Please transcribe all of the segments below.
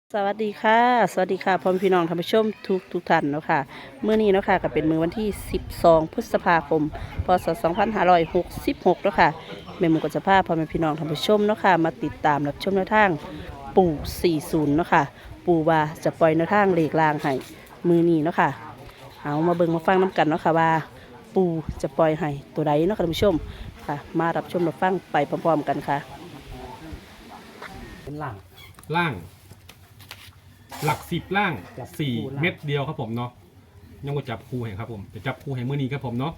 สวัสดีค่ะ สวัสดีค่ะพ่อแม่พี่น้องท่านผู้ชมทุกท่านเนาะค่ะมื้อนี้เนาะค่ะก็เป็นมื้อวันที่12พฤษภาคมพศ2566เนาะค่ะแม่หมูก็จะพาพ่อแม่พี่น้องท่านผู้ชมเนาะค่ะมาติดตามรับชมแนวทางปู่40เนาะค่ะปู่ว่าจะปล่อยแนวทางเลขลางให้มื้อนี้เนาะค่ะเอามาเบิ่งมาฟังน้กันเนาะค่ะว่าปู่จะปล่อยให้ตัวใดเนาะค่ะท่านผู้ชมค่ะมารับชมรับฟังไปพร้อมๆกันค่ะเป็นหลังล่างหลัก10ล่างจับคู่สี่ล่างเม็ดเดียวครับผมเนาะยังบ่จับคู่ให้ครับผมจะจับคู่ให้มื้อนี้ครับผมเนาะ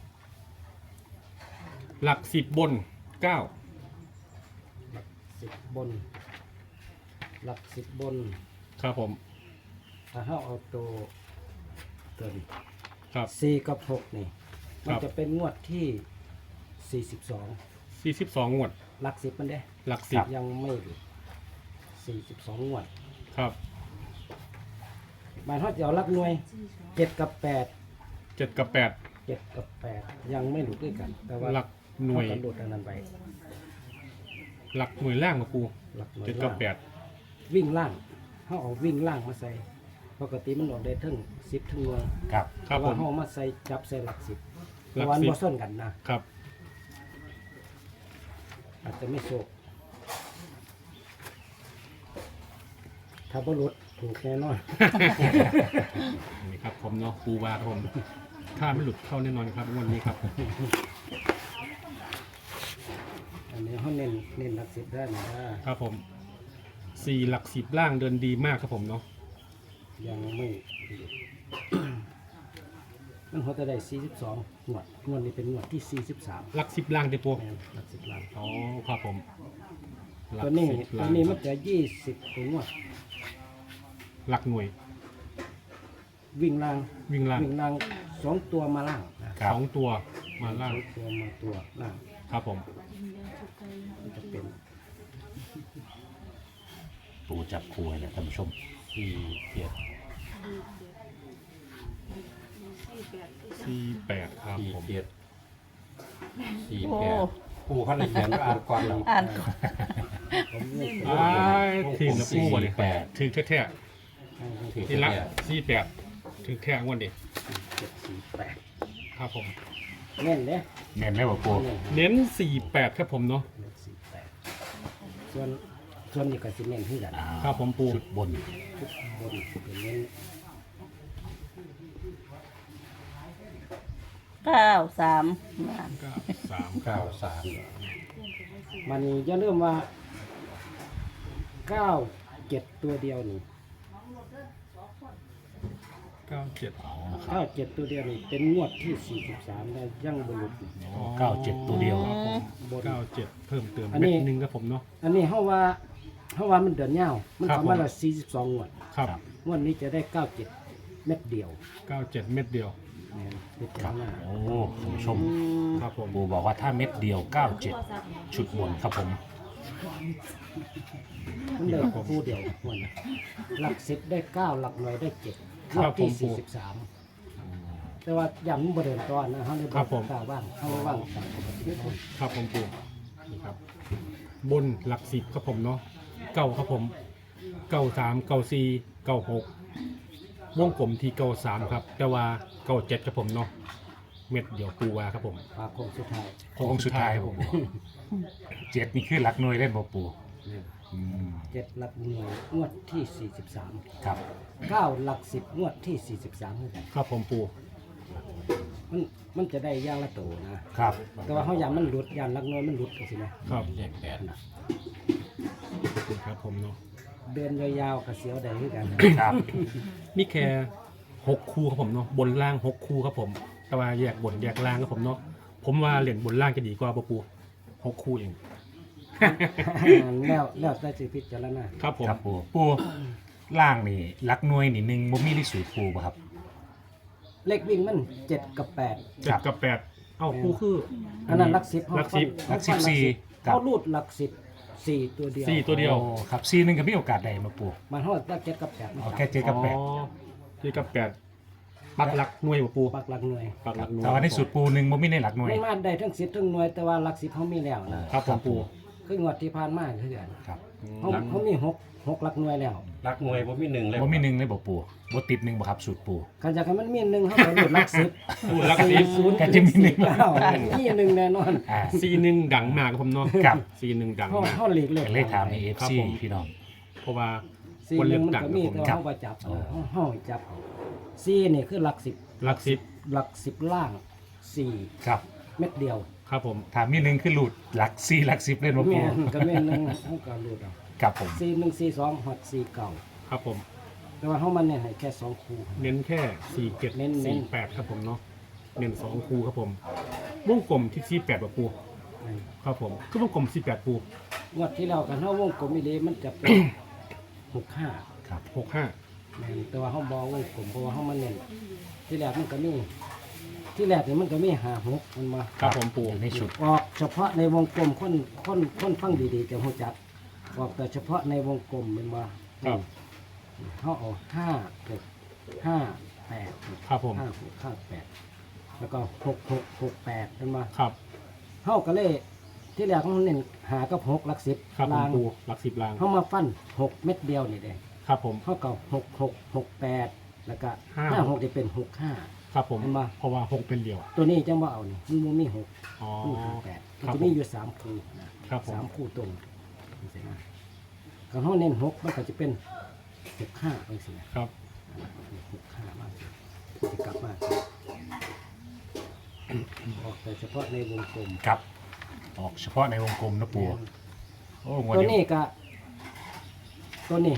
หลัก10บน9 หลักสิบบน หลักสิบบนครับผมถ้าเราเอาตัวนี้ครับสี่กับหกนี่คมัรันบจะเป็นงวดที่42 42งวดหลักสิบมันเด้หลัก10 ยังไม่หลุด42งวดครับหมายเขาจะเอาหลักหน่วยเจ็ดกับแปด 7กับ8 เจ็ดกับแปดยังไม่หลุดด้วยกัน แต่ว่าหลักหน่วยเขากระโดดอันนั้นไปหลักหน่วยล่างมาปูหลักหน่วย 7กับล่างวิ่งล่างเขาเอาวิ่งล่างมาใส่ปกติมันออกได้ถึง10ถึงหน่วยครับ 8ครับแต่ผว่าม เขาเอามาใส่จับใส่หลักสิบหลักวัน 10 บ่ส้นกันนะครับอาจจะไม่โชคถ้าบ่หลุดถูกแน่นอนนี่ครับผมเนาะปูวาครับผมถ้าไม่หลุดเข้าแน่นอนครับงวดนี้ครับอันนี้เขาเน้นหลักสิบได้นะครับผม4หลัก10ล่างเดินดีมากครับผมเนาะยังไม่หลุด มันเขาจะได้42งวดนี้เป็นงวดที่43 หลัก10ล่างเด้อปูแม่นหลักสิบล้านอ๋อครับผมหลักตัวนี้ 10 ตัวล่างนี้คมัรันบจะ20ตัวงวดหลักหน่วยวิ่งล่างวิ่งล่างวิ่งล่าง2ตัวมาล่างนะครับสองตัวมาล่างสองตัวมาตัวล่างครับผมมันจะเป็นปูจับคู่ให้นะท่านผู้ชม 48ครับผมโอ้ปูเขาเลยเขียนว่าอ่านก่อนเราอ่านก่อนผมนี่เป็นอ้ายทีมละปูบ่เนี่ย 48 ถึงแท้ถือๆทีละ48ถึงแท้งวดเด็ก 748 ครับผมเน้นเด้เน้นไหมบ่ปูเน้นเน้น48ครับผมเนาะ 48ส่วนนี้ก็สิเน้นที่กันครับผมปูชุดบนทุกบนเป็นเน้น 93 93 มันอย่าลืมว่า97ตัวเดียวนี่ 97 97ตัวเดียวนี่เป็นงวดที่43ได้ยังบ่หลุด 97ตัวเดียวบน 97เพิ่มเติมอันเม็นี้ดหนึงครับผมเนาะอันนี้เฮาว่ามันเดือนยาวมันครับทำมาผมละ42งวดครับงวดนี้จะได้97เม็ดเดียว 97เม็ดเดียวแม่นพิคจารัรบณาโอ้ท่านผู้ชมครับผมปูบอกว่าถ้าเม็ดเดียว 97 ชุดบนครับผมมันได้คู่เดียวงวดนี้หลัก10ได้9หลักหน่วยได้7งวดที่43แต่ว่าย้ำมันบ่เดินต่อนะเฮาเลยบ่กล้าว่างเฮาเลยว่างตามปกติครับผมปูนี่ครับ บนหลัก10ครับผมเนาะเก้าครับผม93 94 96วงกลมที่93ครับแต่ว่า97ครับผมเนาะเม็ดเดียวปูวาครับผมปากโค้งสุดท้ายโค้งสุดท้ายครับผมเจ็ดนี่คือหลักหน่วยเล่นบ่ปูอืม 7หลักหน่วยงวดที่43 ครับ 9หลัก10งวดที่43เหมือนกันครับผมปูมันจะได้อย่างละโตนะครับ แต่ว่าเฮาย้ำมันหลุดย้ำหลักหน่วยมันหลุดจังซี่นะครับเลขแปดครับผมเนาะเดินยาวๆก็เสียวได้คือกันครับมีแค่6คู่ครับผมเนาะบนล่าง6คู่ครับผมแต่ว่าแยกบนแยกล่างครับผมเนาะผมว่าเหรียญบนล่างจะดีกว่าปู6คู่เองแล้วแต่สิพิจารณาครับผมครับปูล่างนี่หลักหน่วยนี่หนึ่งบ่มีในสูตรปูบ่ครับเลขวิ่งมัน7กับ8 7กับ8เอ้าคู่คืออันนั้นหลัก10 หลักสิบหลัก14ครับเฮารูดหลัก10 4ตัวเดียว 4ตัวเดียวโอ้ครับซีหนึงก็มีโอกาสได้มาปูมันเฮาได้7กับ8มันเอาแค่เจ็ดกับแปดอ๋อ7กับ8ปักหลักหน่วยปูปักหลักหน่วยปักหลักหน่วยแต่ว่าในสูตรปูหนึ่งบ่มีในหลักหน่วยมันมาได้ทั้ง10ทั้งหน่วยแต่ว่าหลัก10เฮามีแล้วนะครับผมปูเคคืองวดที่ผ่านมาคือกันครับเขามี6หลักหน่วยแล้วรักหน่วยบ่มีหนึ่งเลยบ่มีหนึ่งเลยบ่ปูบ่ติดหนึ่งบ่ครับสูตรปูกันจากให้มันมี1เฮาก็รูดหลัก10 พูดลักสิบ 40 ก็จะมีหนึ่ง 49มี1แน่นอนอ่าซีหนึ่งดังมากครับผมเนาะครับซีหนึ่งดังเฮามากเฮาหลีกเลี่ยงเลขถามในครับ FC ผมพี่น้องเพราะว่าซีคนหเลืนึ่อง กมันดังก็ครับมีผมแต่ว่าเฮาบ่จับเฮาจับซีนี่คือหลัก10 ลักสิบหลัก10ล่าง4 ครับเม็ดเดียวครับผมถามมีหนึ่งคือหลุดหลัก4หลัก10เล่นบ่ปูแม่นก็แม่นนึงเฮาก็รูดเอาครับผม 4142ฮอด49 ครับผมแต่ว่าเฮามันเนี่ยให้แค่2คู่เน้นแค่สี่เจ็ดเน้นสี่แปดครับผมเนาะเน้น2คูครับผมวงกลมที่48แบบปูนั่นครับผมคือวงกลม48ปูงวดที่แล้วกันเฮาวงกลมอีหลีมันจะเป็น 65 ครับ 65 แม่นแต่ว่าเฮาบ่วงกลมเพราะว่าเฮามันเน้นที่แรกมันก็มีที่แรกนี่มันก็มี56มันมาครับผมปูอยู่ในชุดออกเฉพาะในวงกลมคนฟังดีๆจะฮู้จักออกแต่เฉพาะในวงกลมมันมาครับเฮาเอา5 8 ครับผม 5 แล้วก็6668มันมาครับเฮาก็เลยที่แรกเขาเน้นหากับ6หลัก10 ครับผมลางปูหลักสิบลางเฮามาฟัน6เม็ดเดียวนี่เด้ครับผมเฮาก็6668แล้วก็ห้า 56จะเป็น65 ครับผมเห็นปะเพราะว่า6เป็นเดียวตัวนี้จังบ่เอานี่มันบ่มี6 อ๋อมี58มันครับจะผมีมอยู่3คู่นะครับผม 3คู่ตรงจังซี่นะก็เฮาเน้น6มันก็จะเป็น65จังซี่นะครับ 65มาสิสิกลับมาออกแต่เฉพาะในวงกลมครับออกเฉพาะในวงกลมนะปูโอ้งวดตัวนี้นี้ก็ตัวนี้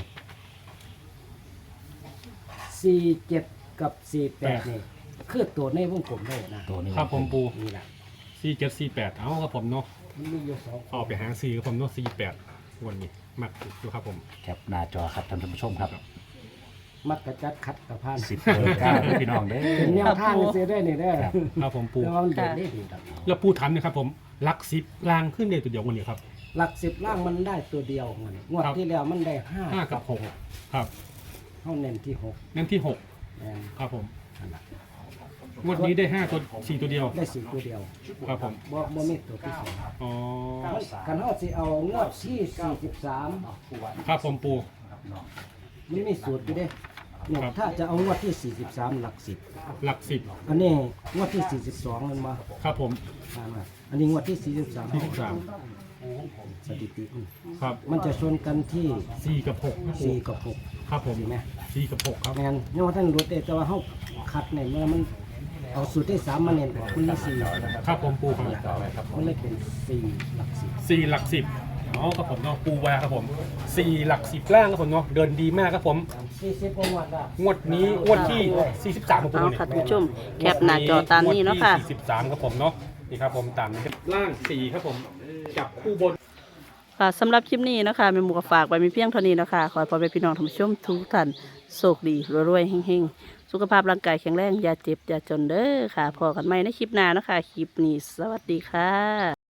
47กับ48นี่คือตัวในวงกลมได้นะตัวนี้ครับผมปูนี่แหละ 4748เอาครับผมเนาะมันมีอยู่2 ออกไปหาซีครับผมเนาะ48วันนี้มักดูครับผมแคปหน้าจอครับท่านผู้ชมครับมักกระจัดขัดกระพาน 10เบอร์9พี่น้องเด้เป็นแนอวทางเสียได้นี่เด้อครับครับผมปูแต่ว่ามันเด่นได้ดีครับแล้วปูทันนะครับผมหลักสิบลางขึ้นเดียวตัวเดียววันนี้ครับหลัก10ล่างมันได้ตัวเดียวมันงวดครับที่แล้วมันได้ห้า 5 กับหกครับเฮาเน้นที่นั่นที่หก 6แม่นครับผมนั่นล่ะงวดนี้ได้5ตัว4ตัวเดียวได้4ตัวเดียวครับผมบ่มีตัวที่สองอ๋อกันเฮาสิเอางวดที่43 ครับผมปูมันมีสูตรอยู่เด้เนี่ยครับถ้าจะเอางวดที่43หลักหลักสิบ 10อันนี้งวดที่42มันมาครับผมอันนี้งวดที่43 43 สถิติมันครับมันจะชนกันที่ 4กับ6ครับปู 4กับ6 ครับผมเห็นไหม 4กับ6ครับแม่นยังว่าท่านรู้แต่ว่าเฮาคัดเนี่ยเมื่อมันเอาสูตรที่3มาเน้นออกมันมี4 ครับผมปูครับมันเลยเป็น4หลัก10 4หลักสิบอ๋อครับผมเนาะปูวาครับผม4หลักสิบล่างครับผมเนาะเดินดีมากครับผม 40กว่างวดละงวดนี้งวดที่43ครับผมเอาเนี่ยค่ะท่านผู้ชมแคปหน้าจอตามนี้เนาะค่ะ 43ครับผมเนาะนี่ครับผมตามนี้ครับล่าง4ครับผมจับคู่บนค่ะสำหรับคลิปนี้นะคะแม่หมูก็ฝากไว้มีเพียงเท่านี้นะคะขอให้พ่อแม่พี่น้องท่านผู้ชมทุกท่านโชคดีรวยๆเฮงๆสุขภาพร่างกายแข็งแรงอย่าเจ็บอย่าจนเด้อค่ะพอกันใหม่ในคลิปหน้านะคะคลิปนี้สวัสดีค่ะ